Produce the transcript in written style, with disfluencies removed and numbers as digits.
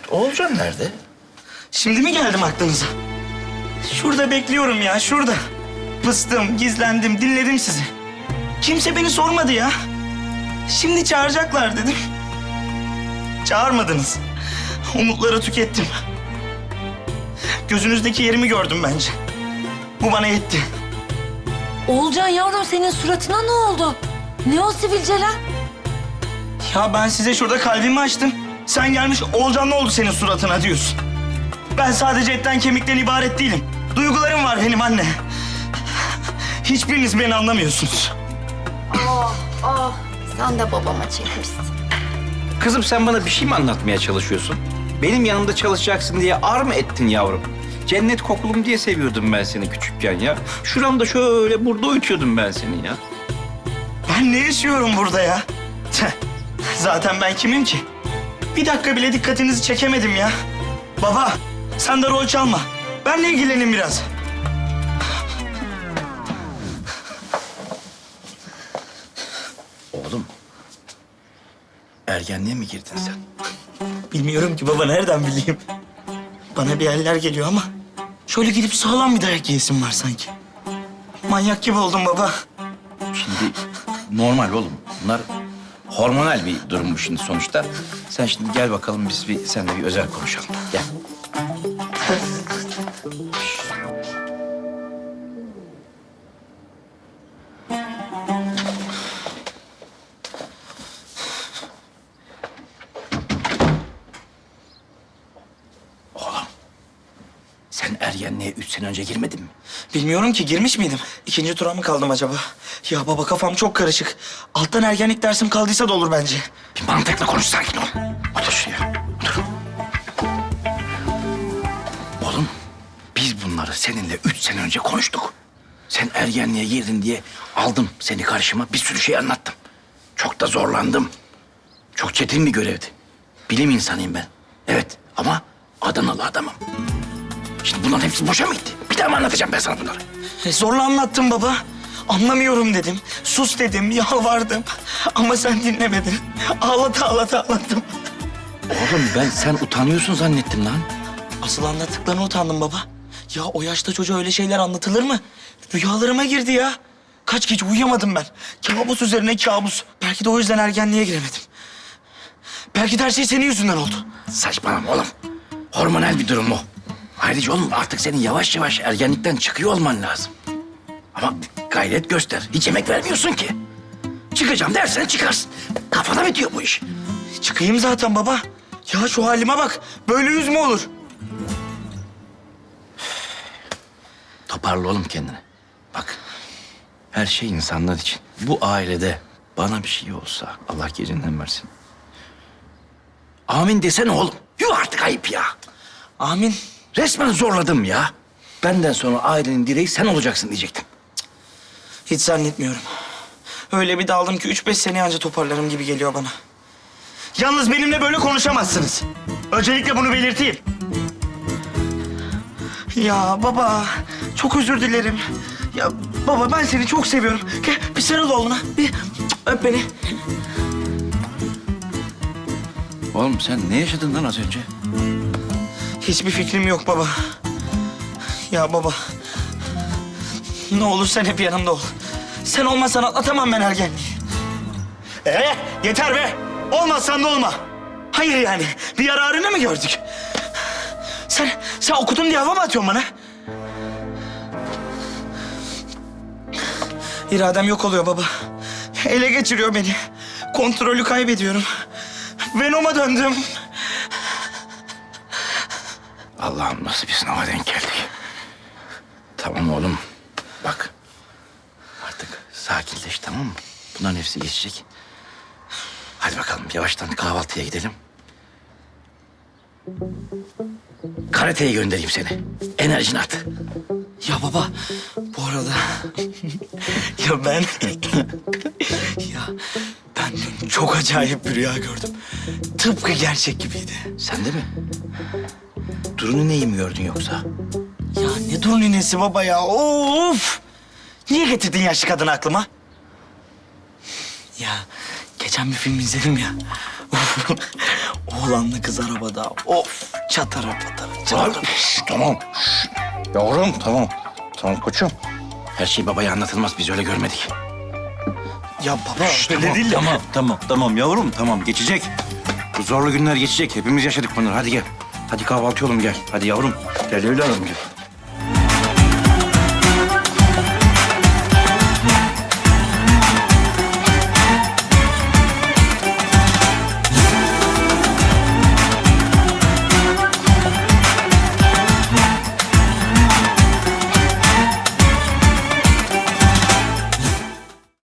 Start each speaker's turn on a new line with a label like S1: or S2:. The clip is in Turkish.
S1: Oğulcan nerede?
S2: Şimdi mi geldim aklınıza? Şurada bekliyorum ya, şurada. Pıstım, gizlendim, dinledim sizi. Kimse beni sormadı ya. Şimdi çağıracaklar dedim. Çağırmadınız. Umutları tükettim. Gözünüzdeki yerimi gördüm bence. Bu bana yetti.
S3: Oğulcan yavrum senin suratına ne oldu? Ne o sivilceler?
S2: Ya ben size şurada kalbimi açtım. Sen gelmiş Oğulcan ne oldu senin suratına diyorsun. Ben sadece etten kemikten ibaret değilim. Duygularım var benim anne. Hiçbiriniz beni anlamıyorsunuz.
S4: Sen de babama çekmişsin.
S1: Kızım sen bana bir şey mi anlatmaya çalışıyorsun? Benim yanımda çalışacaksın diye ar mı ettin yavrum? Cennet kokulum diye seviyordum ben seni küçükken ya. Şuramda şöyle burada uyutuyordum ben seni ya.
S2: Ben ne yaşıyorum burada ya? Zaten ben kimim ki? Bir dakika bile dikkatinizi çekemedim ya. Baba, sen de rol çalma. Benle ilgilenin biraz.
S1: Oğlum, ergenliğe mi girdin sen?
S2: Bilmiyorum ki baba, nereden bileyim? Bana bir eller geliyor ama şöyle gidip sağlam bir dayak yiyesim var sanki. Manyak gibi oldum baba.
S1: Şimdi normal oğlum. Bunlar hormonal bir durum bu şimdi sonuçta. Sen şimdi gel bakalım biz seninle bir özel konuşalım. Gel. Oğlum, sen ergenliğe 3 sene önce girmedin mi?
S2: Bilmiyorum ki, girmiş miydim? İkinci tura mı kaldım acaba? Ya baba, kafam çok karışık. Alttan ergenlik dersim kaldıysa da olur bence.
S1: Bir mantıklı konuş, sakin ol. Otur şuraya, otur. Oğlum, biz bunları seninle 3 sene önce konuştuk. Sen ergenliğe girdin diye aldım seni karşıma, bir sürü şey anlattım. Çok da zorlandım. Çok çetin bir görevdi. Bilim insanıyım ben. Evet ama Adanalı adamım. Şimdi bunların hepsi boşa mı gitti? Bir daha mı anlatacağım ben sana bunları?
S2: Zorla anlattım baba. Anlamıyorum dedim. Sus dedim, yalvardım. Ama sen dinlemedin. Ağlata ağlattım.
S1: Oğlum sen utanıyorsun zannettim lan.
S2: Asıl anlattıklarına utandım baba. Ya o yaşta çocuğa öyle şeyler anlatılır mı? Rüyalarıma girdi ya. Kaç gece uyuyamadım ben. Kabus üzerine kabus. Belki de o yüzden ergenliğe giremedim. Belki de her şey senin yüzünden oldu.
S1: Saçmalama oğlum. Hormonal bir durum o. Ayrıca oğlum artık senin yavaş yavaş ergenlikten çıkıyor olman lazım. Ama gayret göster. Hiç emek vermiyorsun ki. Çıkacağım dersen çıkarsın. Kafana bitiyor bu iş.
S2: Çıkayım zaten baba. Ya şu halime bak. Böyle yüz mü olur?
S1: Toparla oğlum kendini. Bak, her şey insanlar için. Bu ailede bana bir şey olsa Allah gecinden versin. Amin desene oğlum. Yuh artık ayıp ya.
S2: Amin.
S1: Resmen zorladım ya. Benden sonra ailenin direği sen olacaksın diyecektim.
S2: Hiç zannetmiyorum. Öyle bir daldım ki 3-5 sene anca toparlarım gibi geliyor bana. Yalnız benimle böyle konuşamazsınız. Öncelikle bunu belirteyim. Ya baba, çok özür dilerim. Ya baba, ben seni çok seviyorum. Gel bir sarıl oğluna, bir öp beni.
S1: Oğlum sen ne yaşadın lan az önce?
S2: Hiçbir fikrim yok baba. Ya baba, ne olur sen hep yanımda ol. Sen olmazsan atlatamam ben ergenliği. Yeter be! Olmazsan da olma. Hayır yani, bir yararını mı gördük? Sen okudun diye hava mı atıyorsun bana? İradem yok oluyor baba. Ele geçiriyor beni. Kontrolü kaybediyorum. Venom'a döndüm.
S1: Allah'ım nasıl bir sınava denk geldik. Tamam oğlum. Bak. Artık sakinleş, tamam mı? Bunların hepsi geçecek. Hadi bakalım yavaştan kahvaltıya gidelim. Karateye göndereyim seni. Enerjini at.
S2: Ya baba, bu arada... ya ben... ya ben dün çok acayip bir rüya gördüm. Tıpkı gerçek gibiydi.
S1: Sen de mi? Durun neyi mi gördün yoksa?
S2: Ya ne dur ninesi baba ya, of! Niye getirdin yaşlı kadını aklıma? Ya Geçen bir film izledim ya. Oğlanla kız arabada. Of çatara patara çatara.
S1: Tamam. Yavrum tamam. Tamam koçum. Her şey babaya anlatılmaz. Biz öyle görmedik.
S2: Ya baba öyle
S1: Tamam,
S2: değil de.
S1: tamam yavrum tamam geçecek. Bu zorlu günler geçecek. Hepimiz yaşadık bunları. Hadi gel. Hadi kahvaltı oğlum gel. Hadi yavrum. Gel evladım gel.